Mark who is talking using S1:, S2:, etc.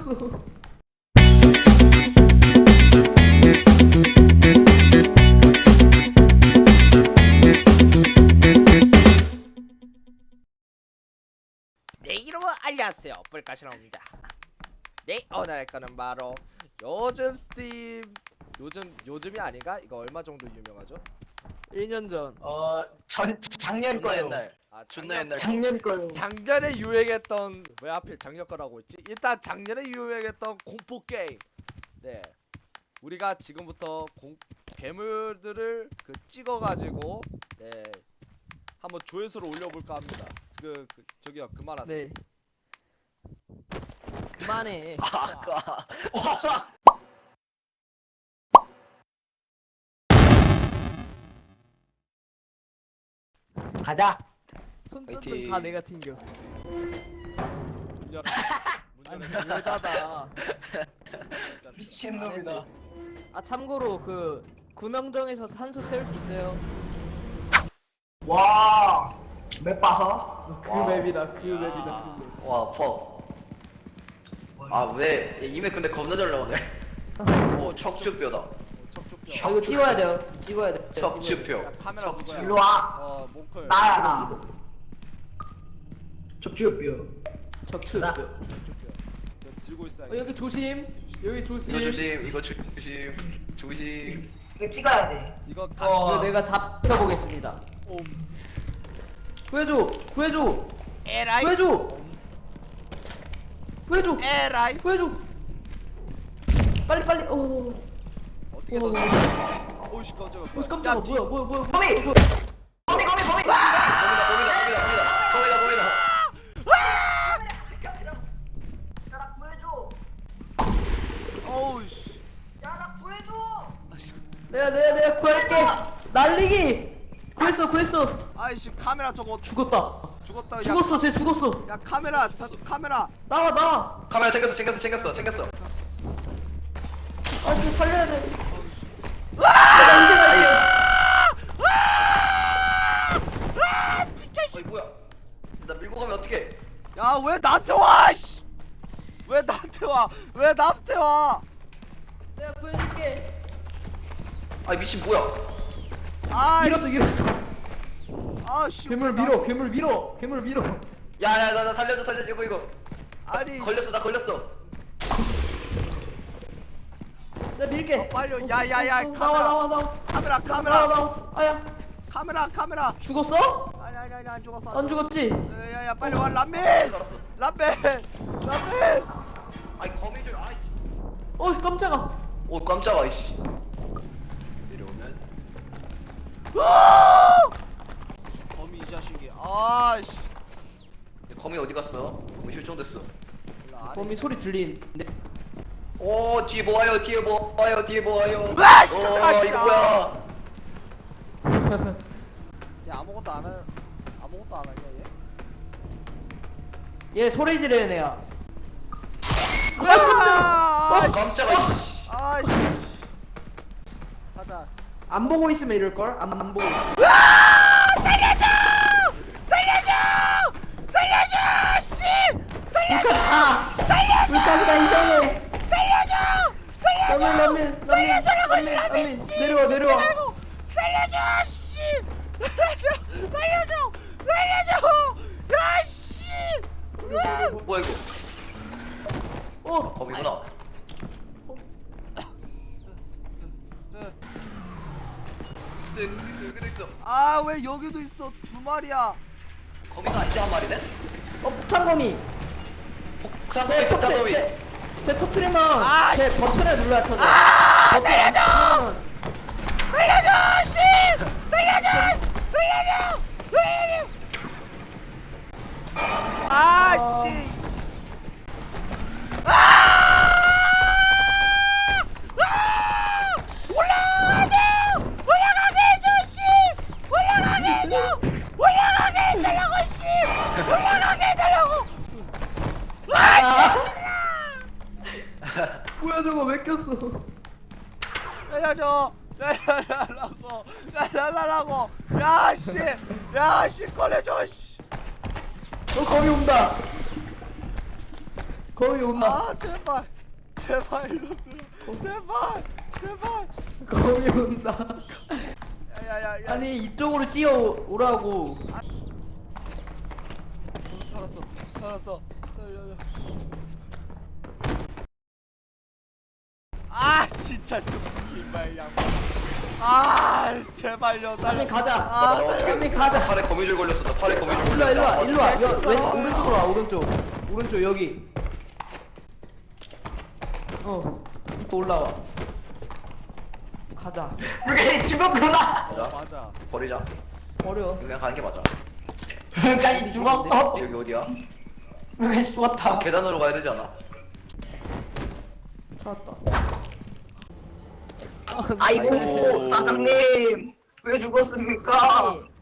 S1: 꼈어.
S2: 네, 여러분 안녕하세요, 뿔까시나입니다. 네, 오늘 할 거는 바로 요즘 스팀 요즘이 아닌가? 이거 얼마 정도 유명하죠?
S1: 1년 전.
S3: 작년
S4: 존나
S3: 거예요.
S4: 옛날.
S2: 아,
S4: 존나 옛날.
S3: 작년 거예요.
S2: 작년에 유행했던, 왜 하필 작년 거라고 했지? 일단 작년에 유행했던 공포 게임. 네, 우리가 지금부터 괴물들을 찍어가지고 네 한번 조회수를 올려볼까 합니다. 저기요, 그만하세요.
S1: 네. 그만해.
S4: 아까
S3: 가자.
S1: 손전등
S4: 화이팅.
S1: 다 내가 튕겨.
S2: 문 열어. 문
S1: 아니
S2: 열어.
S1: 왜 닫아?
S3: 미친놈이다.
S1: 아 참고로 그 구명정에서 산소 채울 수 있어요.
S3: 와. 맵 봐서.
S1: 그 맵이다. 그 맵이다. 그 맵.
S4: 와 퍼. 아왜 이메 근데 겁나 잘 나오네. 오 척추뼈다.
S2: 척추뼈.
S1: 아 이거 찍어야 돼요. 찍어야 돼.
S4: 척추뼈.
S2: 야, 카메라 누구야?
S3: 일로 와.
S2: 몽클.
S3: 나야 나. 척추뼈.
S1: 척추.
S3: 나.
S2: 척추뼈. 이거 들고 있어야.
S1: 여기 조심. 여기 조심.
S4: 이거 조심. 이거 조심. 조심.
S3: 이거 찍어야 돼.
S2: 이거
S1: 이거 내가 잡혀보겠습니다.
S2: 옴.
S1: 구해줘. 구해줘.
S2: 에라이.
S1: 구해줘. 구해줘.
S2: 에라이.
S1: 구해줘. 빨리 빨리. 오.
S2: 어떻게
S1: 오.
S2: 던져? 오이씨, 깜짝이야.
S1: 오 깜짝아. 뭐야.
S3: 거미. 거미.
S4: 거미다.
S3: 야, 나 구해줘.
S2: 어우씨.
S3: 야, 나 구해줘.
S1: 내가 구할게. 날리기. 구했어.
S2: 아이씨, 카메라 저거
S1: 죽었다.
S2: 죽었다. 야,
S1: 죽었어. 쟤 죽었어.
S2: 야, 카메라. 카메라.
S1: 나와.
S4: 카메라 챙겼어.
S1: 아, 저 살려야 돼.
S4: 어이 뭐야? 나 밀고 가면 어떡해?
S2: 야, 왜 나한테 와? 씨. 왜 나한테 와? 왜 나한테 와?
S1: 내가 구해줄게.
S4: 아 미친 뭐야?
S2: 아,
S1: 밀었어.
S2: 아, 씨.
S1: 괴물 밀어.
S4: 야야 나 살려줘 이거.
S2: 아니,
S4: 걸렸어 나 걸렸어.
S1: 내가 밀게.
S2: 빨리. 야야야,
S1: 나와.
S2: 카메라.
S1: 아야.
S2: 카메라.
S1: 죽었어?
S2: 아니, 안 죽었어.
S1: 안 죽었지?
S2: 야야, 빨리 와, 람민.
S4: 알았어.
S2: 람민.
S4: 아이 거미줄 아이.
S1: 어, 깜짝아.
S4: 오 깜짝아 이씨. 내려오면
S2: 거미 이 자식이. 아씨.
S4: 거미 어디 갔어? 거미 실종됐어.
S1: 범이 소리 들리는데.
S4: 오 뒤에 뭐 와요 뒤에 뭐 와요.
S2: 와, 씨, 깜짝아, 씨.
S4: 이거 뭐야?
S2: 야, 아무것도 안 하냐 얘?
S1: 얘 소리 지르는 애야.
S2: 아,
S4: 깜짝아 이씨.
S2: 아씨. 가자.
S1: 안 보고 있으면 이럴 걸? 안 보고 있어.
S2: 살려줘, 씨.
S1: 불까지 가. 불까지 가 이상해. 라면. 내려와.
S2: 살려줘, 씨. 살려줘. 야, 씨.
S4: 뭐야 이거?
S1: 어.
S4: 거미구나. 여기도 있어.
S2: 아, 왜 여기도 있어? 두 마리야.
S4: 거미가 아니지 한 마리네?
S1: 폭탄거미.
S4: 폭탄거미 폭탄거미.
S1: 제 터트리면
S2: 아,
S1: 제 버튼을 눌러야 터져.
S2: 살려줘, 씨. 살려줘. 아, 씨.
S1: 뭐야 저거 왜 꼈어?
S2: 살려줘. 날라라고. 야, 씨, 꺼내줘, 씨.
S1: 거미 온다. 거미 온다.
S2: 아 제발 제발 일로 들어 제발 제발
S1: 거미 온다.
S2: 야야야야
S1: 아니 이쪽으로 뛰어오라고.
S2: 살았어 살았어 야야야 아 진짜 이말 양반 아 제발요
S1: 빨리 가자.
S2: 아
S1: 빨리 가자.
S4: 팔에 거미줄 걸렸어. 나 팔에 거미줄
S1: 일로 와 일로 와
S4: 걸렸어.
S1: 일로 와. 오른쪽으로 와 오른쪽 여기. 또 올라와. 가자.
S3: 물개님 죽었구나.
S4: 맞아.
S2: 맞아
S4: 버리자.
S1: 버려.
S4: 그냥 가는 게 맞아.
S3: 물개님 죽었어.
S4: 여기 어디야?
S3: 물개님 죽었다.
S4: 계단으로 가야 되지 않아?
S1: 찾았다.
S3: 아이고 사장님 왜 죽었습니까?
S1: 아니,